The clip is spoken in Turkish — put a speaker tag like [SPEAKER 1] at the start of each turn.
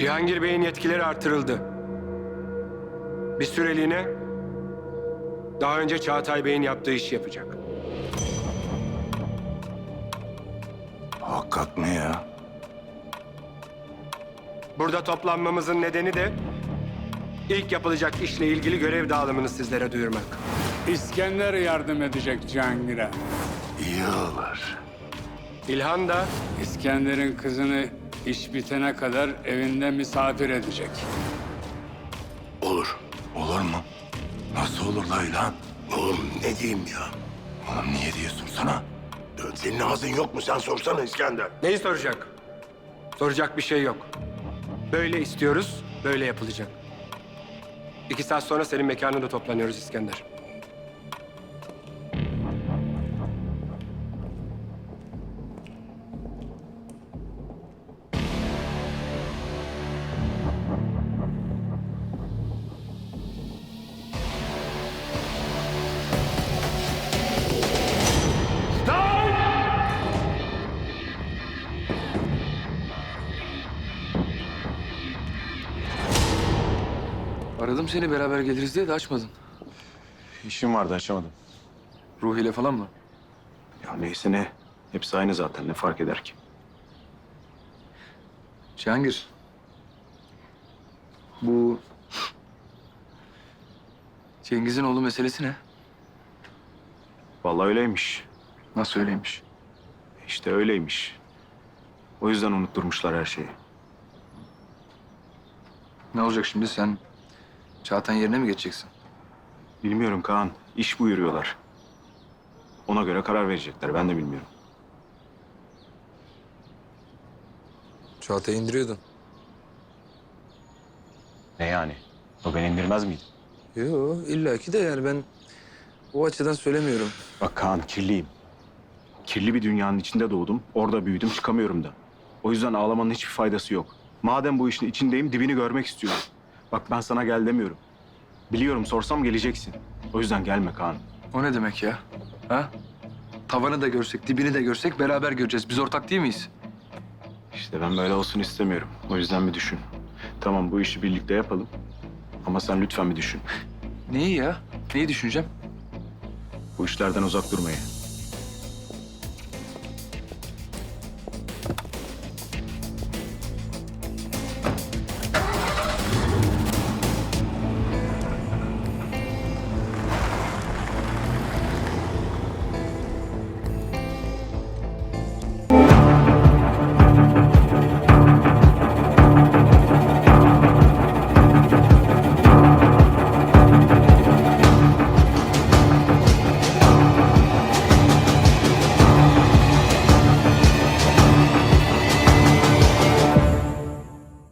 [SPEAKER 1] Cihangir Bey'in yetkileri artırıldı. Bir süreliğine daha önce Çağatay Bey'in yaptığı işi yapacak.
[SPEAKER 2] Hakikat mi ya?
[SPEAKER 1] Burada toplanmamızın nedeni de ilk yapılacak işle ilgili görev dağılımını sizlere duyurmak.
[SPEAKER 3] İskender yardım edecek Cihangir'e.
[SPEAKER 2] İyi olur.
[SPEAKER 1] İlhan da
[SPEAKER 3] İskender'in kızını iş bitene kadar evinde misafir edecek.
[SPEAKER 2] Olur. Olur mu? Nasıl olur la İlhan?
[SPEAKER 4] Oğlum ne diyeyim ya?
[SPEAKER 2] Oğlum niye diyorsun sana?
[SPEAKER 4] Senin ağzın yok mu? Sen sorsana İskender.
[SPEAKER 1] neyi soracak? Soracak bir şey yok. Böyle istiyoruz, böyle yapılacak. 2 saat sonra senin mekanında toplanıyoruz İskender.
[SPEAKER 5] Aradım seni beraber geliriz diye de açmadın.
[SPEAKER 2] İşim vardı açamadım.
[SPEAKER 5] Ruhi ile falan mı?
[SPEAKER 2] Ya neyse ne. Hepsi aynı zaten. Ne fark eder ki?
[SPEAKER 5] Cihangir. Bu Cengiz'in oğlu meselesi ne?
[SPEAKER 2] Vallahi öyleymiş.
[SPEAKER 5] Nasıl öyleymiş?
[SPEAKER 2] İşte öyleymiş. O yüzden unutturmuşlar her şeyi.
[SPEAKER 5] Ne olacak şimdi sen Çağatay'ın yerine mi geçeceksin?
[SPEAKER 2] Bilmiyorum Kaan. İş buyuruyorlar. Ona göre karar verecekler. Ben de bilmiyorum.
[SPEAKER 5] Çağatay'ı indiriyordun.
[SPEAKER 2] Ne yani? O beni indirmez miydi?
[SPEAKER 5] Yo illaki de yani ben o açıdan söylemiyorum.
[SPEAKER 2] Bak Kaan kirliyim. Kirli bir dünyanın içinde doğdum. Orada büyüdüm çıkamıyorum da. O yüzden ağlamanın hiçbir faydası yok. Madem bu işin içindeyim dibini görmek istiyorum. Bak ben sana gel demiyorum. Biliyorum sorsam geleceksin. O yüzden gelme Kaan.
[SPEAKER 5] O ne demek ya? Ha? Tavanı da görsek, dibini de görsek beraber göreceğiz. Biz ortak değil miyiz?
[SPEAKER 2] İşte ben böyle olsun istemiyorum. O yüzden bir düşün. Tamam bu işi birlikte yapalım. Ama sen lütfen bir düşün.
[SPEAKER 5] Neyi ya? Neyi düşüneceğim?
[SPEAKER 2] Bu işlerden uzak durmayı.